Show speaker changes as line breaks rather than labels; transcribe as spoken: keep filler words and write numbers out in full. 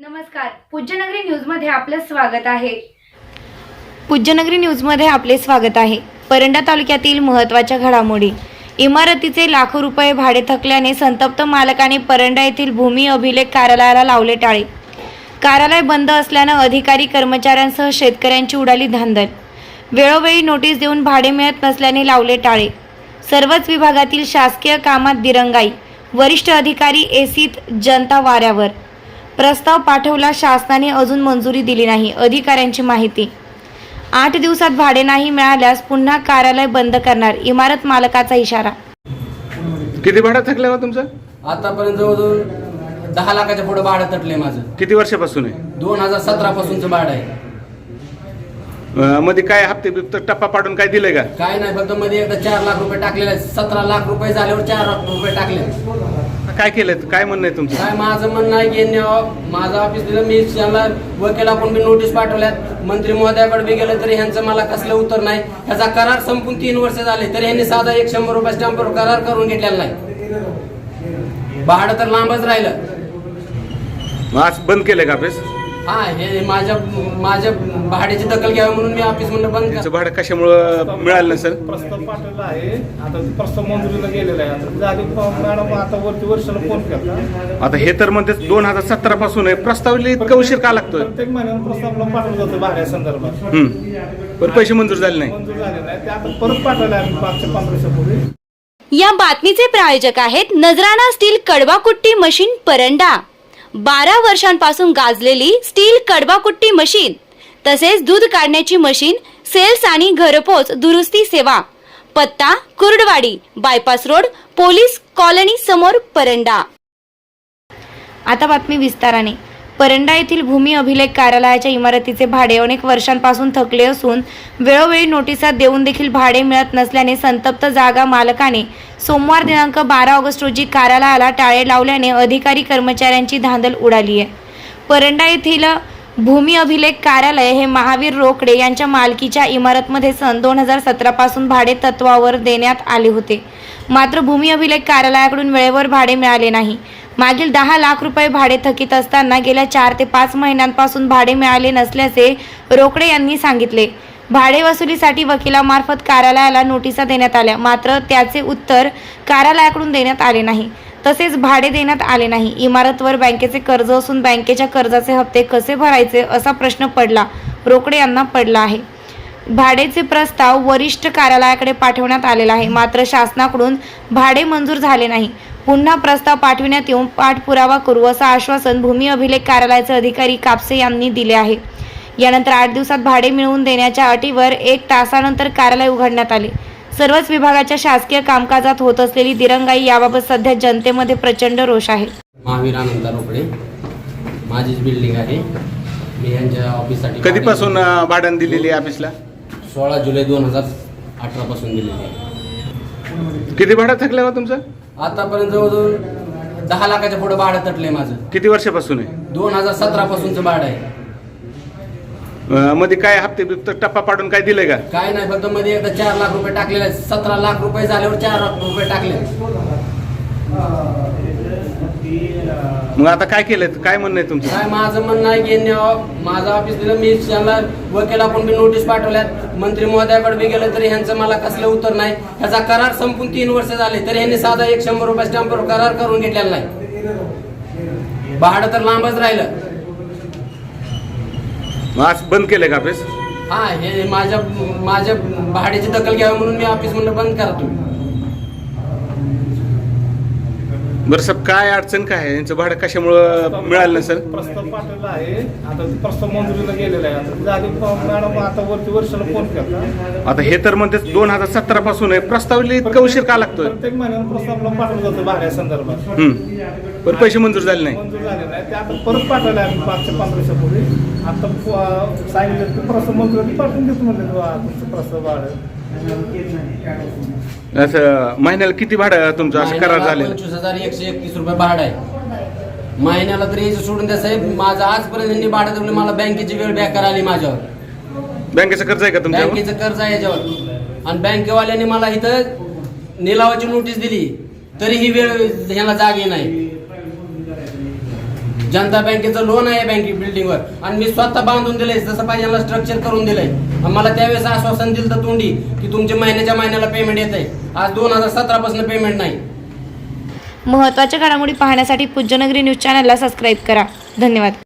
नमस्कार, पूज्यनगरी न्यूजमध्ये आपलं स्वागत आहे. पूज्यनगरी न्यूजमध्ये आपले स्वागत आहे. परंडा तालुक्यातील महत्त्वाच्या घडामोडी. इमारतीचे लाखो रुपये भाडे थकल्याने संतप्त मालकाने परंडा येथील भूमी अभिलेख कार्यालयाला लावले टाळे. कार्यालय बंद असल्यानं अधिकारी कर्मचाऱ्यांसह शेतकऱ्यांची उडाली धांदल. वेळोवेळी नोटीस देऊन भाडे मिळत नसल्याने लावले टाळे. सर्वच विभागातील शासकीय कामात दिरंगाई. वरिष्ठ अधिकारी एसीत, जनता वाऱ्यावर. प्रस्ताव पाठवला, शासनाने अजून मंजुरी दिली नाही. अधिकाऱ्यांची माहिती. आठ दिवसात भाडे नाही मिळाल्यास पुन्हा कार्यालय बंद करणार, इमारत मालकाचा इशारा.
किती भाडं थकलं हो तुमचं?
आतापर्यंत जवळजवळ दहा लाखाच्या पुढे भाडं तटले माझं.
किती वर्षापासून आहे?
दोन हजार सतरा पासूनचं भाडं आहे.
अं, मध्ये काय हप्ते बिप्ते टप्पा पाडून काय दिलंय का?
काय नाही, फक्त मध्ये एकदा चार लाख रुपये टाकलेले आहेत. सतरा लाख रुपये झाल्यावर चार लाख रुपये टाकले.
काय केलंय? काय म्हणणं आहे तुमचं?
काय माझं म्हणणं आहे की यांनी माझं ऑफिस दिलं, मी यांना वकिलाकडून बी नोटीस पाठवल्यात, मंत्री महोदयाकडे बी गेलं तरी ह्यांचं मला कसलं उत्तर नाही. ह्याचा करार संपून तीन वर्ष झाले तरी ह्यांनी साधा एक शंभर रुपये स्टॅम्पवर करार करून घेतलेला नाही. भाडं तर लांबच राहिलं.
मग आज बंद केलंय का ऑफिस?
हा, हे माझ्या माझ्या भाड्याची दखल घ्यावी म्हणून मी ऑफिस म्हणून बंद
त्याचं भाडं कशामुळं मिळालं नसेल?
प्रस्ताव पाठवला आहे. आता प्रस्ताव मंजुरीला गेलेला आहे. आता झाली मॅडम, आता वरती वर्षाला फोन केला.
आता हे तर म्हणते दोन हजार सतरा पासून आहे. प्रस्ताव इतका उशीर का लागतोय?
प्रत्येक महिन्याला प्रस्तावला पाठवलं जातं भाड्या संदर्भात.
हम्म पण पैसे मंजूर झाले नाही.
मंजूर झाले नाही ते आता परत पाठवलं आहे मागच्या पंधरा वर्षापूर्वी.
या बातमीचे प्रायोजक आहेत नजराणा स्टील कडबाकुट्टी मशीन परंडा. बारा वर्षांपासून गाजलेली स्टील कडबाकुट्टी मशीन, तसेच दूध काढण्याची मशीन, सेल्स आणि घरपोच दुरुस्ती सेवा. पत्ता Kurduwadi, bypass road, police colony समोर, परंडा.
आता बातमी विस्ताराने. परंडा येथील भूमी अभिलेख कार्यालयाच्या इमारतीचे भाडे अनेक वर्षांपासून थकले असून वेळोवेळी नोटिसा देऊन देखील भाडे मिळत नसल्याने संतप्त जागा मालकाने सोमवार दिनांक बारा ऑगस्ट रोजी कार्यालयाला टाळे लावल्याने अधिकारी कर्मचाऱ्यांची धांदल उडाली आहे. परंडा येथील भूमी अभिलेख कार्यालय हे महावीर रोकडे यांच्या मालकीच्या इमारतमध्ये सन दोन हजार सतरा पासून भाडे तत्वावर देण्यात आले होते. मात्र भूमी अभिलेख कार्यालयाकडून वेळेवर भाडे मिळाले नाही. मागील दहा लाख रुपये भाडे थकीत असताना गेल्या चार ते पाच महिन्यांपासून भाडे मिळाले नसल्याचे रोकडे यांनी सांगितले. भाडे वसुलीसाठी वकिलामार्फत कार्यालयाला नोटिसा देण्यात आल्या, मात्र त्याचे उत्तर कार्यालयाकडून देण्यात आले नाही. तसेच भाडे देण्यात आले नाही. इमारतवर बँकेचे कर्ज असून बँकेच्या कर्जाचे हप्ते कसे भरायचे असा प्रश्न पडला रोकडे यांना पडला आहे. भाडेचे प्रस्ताव वरिष्ठ कार्यालयाकडे पाठवण्यात आलेला आहे, मात्र शासनाकडून भाडे मंजूर झाले नाही. पुन्हा प्रस्ताव पाठविण्यात येऊन पाठपुरावा करू असं आश्वासन भूमी अभिलेख कार्यालयाचे अधिकारी कापसे यांनी दिले आहे. यानंतर आठ दिवसात भाडे मिळवून देण्याच्या अटीवर एक तासानंतर कार्यालय उघडण्यात आले. सर्वच विभागाच्या शासकीय कामकाजात होत असलेली दिरंगाई याबाबत सध्या जनतेमध्ये प्रचंड रोष आहे.
महावीर आनंद रोकडे माझीच बिल्डिंग आहे. मी यांच्या ऑफिससाठी
कधीपासून अं, भाडं दिलेली आहे ऑफिसला?
सोळा जुलै दोन हजार अठरा पासून दिलेली आहे.
किती भाडं थकलं हो तुमचं?
आतापर्यंत जवळजवळ दहा लाखाच्या पुढे भाडं तटले माझं.
किती वर्षापासून आहे?
दोन हजार सतरा पासूनचं भाडं आहे.
अं, मध्ये काय हप्ते बिप्ते टप्पा पाडून काय दिलंय का?
काय नाही, फक्त मध्ये एकदा चार लाख रुपये टाकलेले आहेत. सतरा लाख रुपये झाल्यावर चार लाख रुपये टाकले.
मग आता काय केलंय? काय म्हणणं आहे तुमचं?
काय माझं म्हणणं आहे की यांनी माझं ऑफिस दिलं, मी यांना वकिलाकडून बी नोटीस पाठवल्यात, मंत्री महोदयाकडे बी गेलं तरी ह्यांचं मला कसलं उत्तर नाही. ह्याचा करार संपून तीन वर्ष झाले तरी ह्यांनी साधा एक शंभर रुपये स्टॅम्पवर करार करून घेतलेला नाही. भाडं तर लांबच राहिलं.
मग आज बंद केलंय का ऑफिस?
हा, हे माझ्या माझ्या भाड्याची दखल घ्यावी म्हणून मी ऑफिस म्हणून बंद करतो.
बरं साहेब, काय अडचण काय आहे? यांचं भाडं कशामुळं मिळालं नसेल?
प्रस्ताव पाठवला आहे. आता प्रस्ताव मंजुरीला गेलेला आहे. आता झाली मॅडम, आता वरती वर्षाला फोन केला.
आता हे तर म्हणते दोन हजार सतरा पासून आहे. प्रस्ताव इतका उशीर का लागतोय?
प्रत्येक महिन्याला प्रस्तावला पाठवलं जातं भाड्या संदर्भात.
हम्म पण पैसे मंजूर झाले नाही.
मंजूर झाले नाही ते आता परत पाठवलं आहे मागच्या पंधरा वर्षापूर्वी. आता सांगितलं की प्रस्ताव मंजुरी पाठवून देतो म्हणले तुमचं प्रस्ताव भाडं.
असं महिन्याला किती भाडं तुमचं असं करार झालेलं?
पंचवीस हजार एकशे एकतीस रुपये भाडं आहे महिन्याला. तरी याचं सोडून द्या साहेब, माझं आजपर्यंत यांनी भाडं दिलं. मला बँकेची वेळ बेकार आली माझ्यावर.
बँकेचं कर्ज आहे का तुमच्यावर?
बँकेचं कर्ज आहे याच्यावर. आणि बँकेवाल्यांनी मला इथं निलावाची नोटीस दिली तरी ही वेळ ह्याला जागे नाही. जनता बँकेचं लोन आहे बँके बिल्डिंगवर आणि मी स्वतः बांधून दिलंय, जसं पाहिजे मला स्ट्रक्चर करून दिलंय. मला त्यावेळेस आश्वासन दिलं तर तोंडी की तुमच्या महिन्याच्या महिन्याला पेमेंट येत आहे. आज दोन हजार सतरा पासून पेमेंट नाही.
महत्त्वाच्या घडामोडी पाहण्यासाठी पूज्यनगरी न्यूज चॅनलला सबस्क्राईब करा. धन्यवाद.